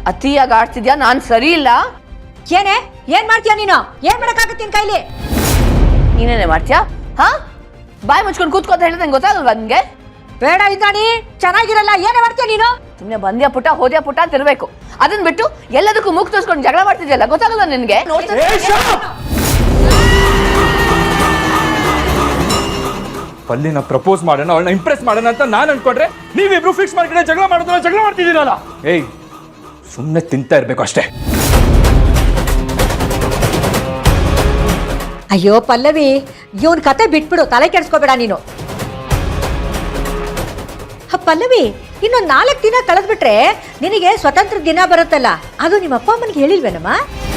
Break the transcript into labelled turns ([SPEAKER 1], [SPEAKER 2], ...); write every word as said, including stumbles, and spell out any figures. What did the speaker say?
[SPEAKER 1] ಅತಿಯಾಗಿ ಆಡ್ತಿದ್ಯಾ, ನಾನ್ ಸರಿ ಇಲ್ಲ.
[SPEAKER 2] ಏನೇ ಏನ್ ಮಾಡ್ತೀಯ ನೀನು? ಏನ್ ಮಾಡಕ್ಕಾಗತ್ತೆ ನಿನ್ ಕೈಲಿ?
[SPEAKER 1] ನೀನೇನೆ ಮಾಡ್ತೀಯಾ? ಹಾ, ಬಾಯಿ ಮುಚ್ಕೊಂಡು ಕೂತ್ಕೋತ ಹೇಳಿದ್ರೆ ನಂಗೆ ಗೊತ್ತಾಗಲ್ವಾ ನಿನ್ಗೆ?
[SPEAKER 2] ಬೇಡ ಇಂದ್ರಾಣಿ, ಚೆನ್ನಾಗಿರಲ್ಲ. ಏನೇ ಮಾಡ್ತೀಯ ನೀನು?
[SPEAKER 1] ಸುಮ್ನೆ ಬಂದ್ಯಾ ಪುಟ್ಟ ಹೋದ್ಯಾ ಪುಟ್ಟ ಅಂತ ಇರ್ಬೇಕು. ಅದನ್ ಬಿಟ್ಟು ಎಲ್ಲದಕ್ಕೂ ಮುಖ ತೋರಿಸ್ಕೊಂಡು ಜಗಳ ಮಾಡ್ತಿದ್ಯಲ್ಲ, ಗೊತ್ತಾಗಲ್ಲ ನಿನ್ಗೆ?
[SPEAKER 3] ಪಲ್ಲಿನ ಪ್ರಪೋಸ್ ಮಾಡೋಣ, ಅವಳನ್ನ ಇಂಪ್ರೆಸ್ ಮಾಡೋಣ ಅಂತ ನಾನು ಅನ್ಕೊಂಡ್ರೆ ನೀವಿಬ್ರು ಫಿಕ್ಸ್ ಮಾಡ್ಕೊಂಡೆ ಜಗಳ ಮಾಡೋದನ್ನ ಜಗಳ ಮಾಡ್ತಿದ್ದೀರಲ್ಲ. ಏಯ್, ಸುಮ್ಮನೆ ತಿಂತಾ ಇರ್ಬೇಕು ಅಷ್ಟೇ.
[SPEAKER 2] ಅಯ್ಯೋ ಪಲ್ಲವಿ, ಇವನ್ ಕತೆ ಬಿಟ್ಬಿಡು, ತಲೆ ಕೆಡಿಸ್ಕೋಬೇಡ ನೀನು. ಪಲ್ಲವಿ, ಇನ್ನೊಂದು ನಾಲ್ಕು ದಿನ ಕಳೆದ್ಬಿಟ್ರೆ ನಿನಗೆ ಸ್ವತಂತ್ರ ದಿನ ಬರುತ್ತಲ್ಲ, ಅದು ನಿಮ್ಮ ಅಪ್ಪ ಅಮ್ಮನಿಗೆ ಹೇಳಿಲ್ವೇನಮ್ಮ?